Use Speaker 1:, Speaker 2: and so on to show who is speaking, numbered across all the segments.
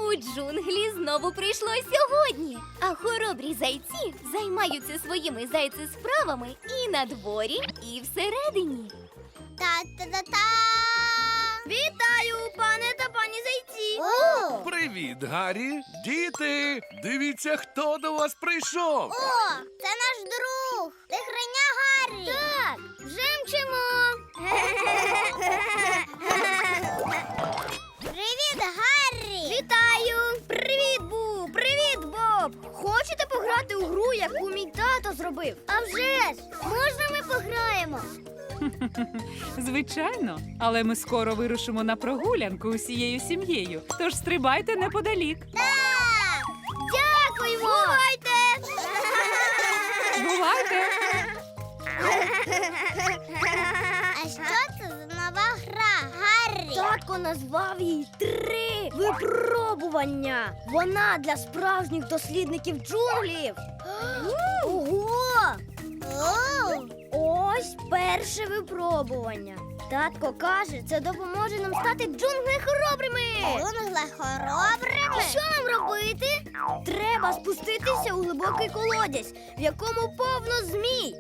Speaker 1: У джунглі знову прийшло сьогодні, а хоробрі зайці займаються своїми зайцесправами і на дворі, і всередині.
Speaker 2: Та-та-та-та!
Speaker 1: Вітаю, пане та пані зайці!
Speaker 2: О!
Speaker 3: Привіт, Гаррі! Діти! Дивіться, хто до вас прийшов!
Speaker 2: О, це наш друг! Тигриня Гаррі!
Speaker 1: Так, вже мчимо!
Speaker 2: Привіт, Гаррі!
Speaker 1: Вітаю! Привіт, Бу! Привіт, Боб! Хочете пограти у гру, яку мій тато зробив?
Speaker 2: А вже ж! Можна ми пограємо?
Speaker 4: Звичайно, але ми скоро вирушимо на прогулянку усією сім'єю, тож стрибайте неподалік.
Speaker 2: Так!
Speaker 1: Дякуємо! Бувайте!
Speaker 4: Бувайте!
Speaker 2: А що це за нова гра, Гаррі?
Speaker 1: Татко назвав її 3 випробування. Вона для справжніх дослідників джунглів. Ого!
Speaker 2: О!
Speaker 1: Ось перше випробування. Татко каже, це допоможе нам стати джунгли хоробрими.
Speaker 2: Джунгли хоробрими?
Speaker 1: Що нам робити? Треба спуститися у глибокий колодязь, в якому повно змій.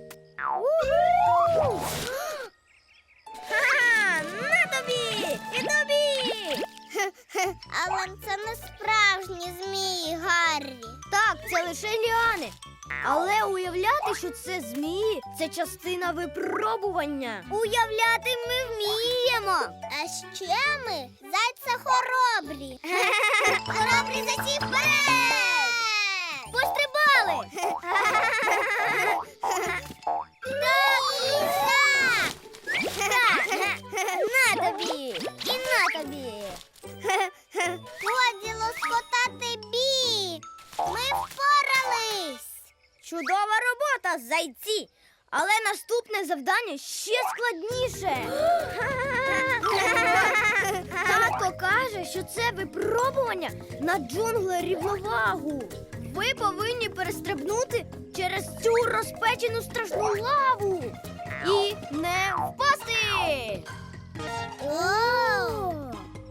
Speaker 1: Ха-ха! На тобі! І тобі!
Speaker 2: Але це не справжні змії, Гаррі.
Speaker 1: Так, це лише ліани. Але уявляти, що це змії, це частина випробування. Уявляти ми вміємо.
Speaker 2: А ще ми зайця хоробрі. Хоробрі зайці вперед!
Speaker 1: Пострибали! На тобі! І на тобі!
Speaker 2: Годі лоскотати бік! Ми впорались!
Speaker 1: Чудова робота, зайці! Але наступне завдання ще складніше. Татко каже, що це випробування на джунгли рівновагу. Ви повинні перестрибнути через цю розпечену страшну лаву і не впасти.
Speaker 2: О!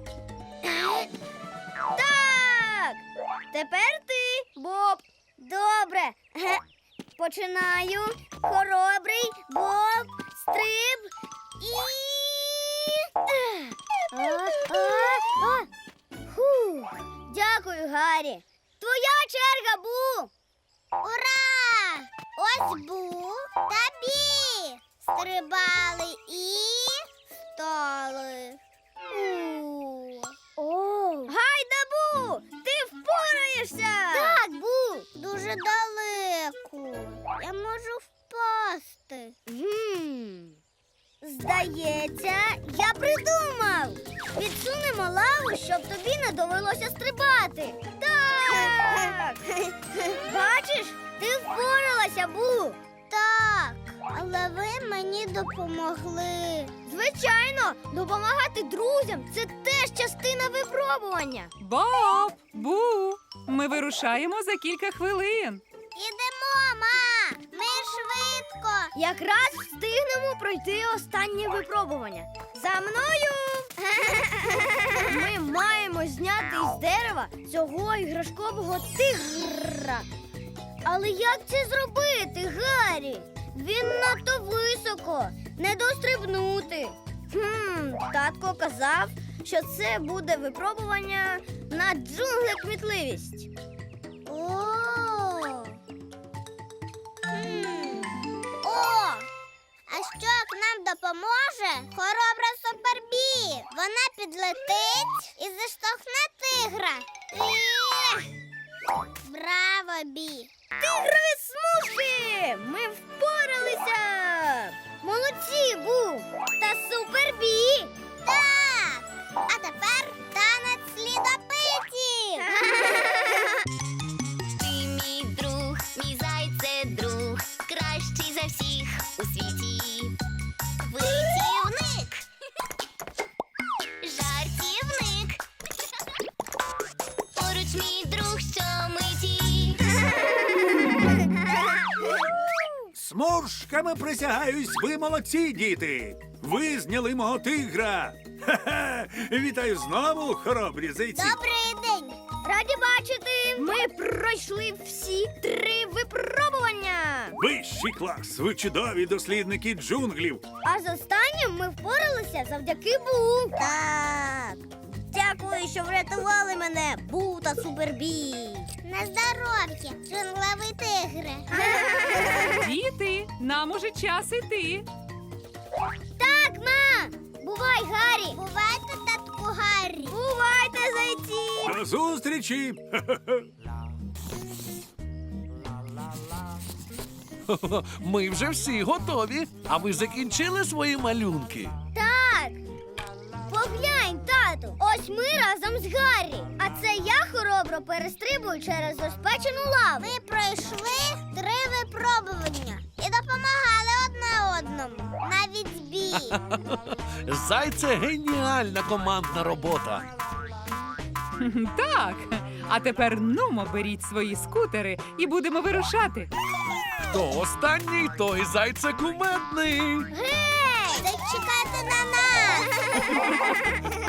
Speaker 1: Так! Тепер ти, Боб. Добре. Починаю. Хоробрий, Боб, стриб і... Фух. Дякую, Гаррі. Твоя черга, Бу.
Speaker 2: Ура! Ось Бу та Бі! Стрибали і стали.
Speaker 1: Гайда, Бу! Ти впораєшся!
Speaker 2: Так, Бу! Дуже далеко. Я можу впасти.
Speaker 1: Здається, я придумав. Відсунемо лаву, щоб тобі не довелося стрибати. Так! Бачиш, ти впоралася, Бу.
Speaker 2: Так, але ви мені допомогли.
Speaker 1: Звичайно, допомагати друзям – це теж частина випробування.
Speaker 4: Боб! Бу! Ми вирушаємо за кілька хвилин.
Speaker 2: Ідемо, ма! Ми швидко!
Speaker 1: Якраз встигнемо пройти останнє випробування. За мною! Ми маємо зняти із дерева цього іграшкового тигра. Але як це зробити, Гаррі? Він надто високо, не дострибнути. Татко казав, що це буде випробування на джунгле-кмітливість.
Speaker 2: О! А що як нам допоможе хоробра Супербі? Вона підлетить і заштовхне тигра. Браво, Бі!
Speaker 1: Тигрові смужки! Ми впоралися! Молодці, Бу! Та Супербі!
Speaker 2: Так! А тепер танець слідопитів!
Speaker 5: Ти мій друг, мій зайце друг, кращий за всіх у світі. Витівник, жартівник, поруч мій друг, що миті.
Speaker 6: Сморшками присягаюсь, ви молодці, діти! Ви зняли мого тигра! Ха-ха! Вітаю знову, хоробрі зайці!
Speaker 2: Добрий день! Раді бачити! Ми пройшли всі 3 випробування.
Speaker 6: Вищий клас! Ви чудові дослідники джунглів!
Speaker 2: А з останнім ми впоралися завдяки Бу. Так. Дякую, що врятували мене, Бу та Супербі.
Speaker 5: На здоров'я, джунглевий тигре.
Speaker 4: Діти, нам уже час іти.
Speaker 2: Так, ма! Бувай, Гаррі!
Speaker 5: Бувайте, татку Гаррі.
Speaker 2: Бувайте, зайці!
Speaker 6: До зустрічі!
Speaker 3: Ми вже всі готові. А ви закінчили свої малюнки?
Speaker 2: Так! Поглянь, тату! Ось ми разом з Гаррі. А це я хоробро перестрибую через розпечену лаву.
Speaker 5: Ми пройшли 3 випробування і допомагали одне одному. Навіть збій.
Speaker 3: Зайце геніальна командна робота.
Speaker 4: Так. А тепер нумо беріть свої скутери і будемо вирушати.
Speaker 3: Хто останній, той зайце кумедний.
Speaker 2: Гей!
Speaker 5: Зачекайте на нас.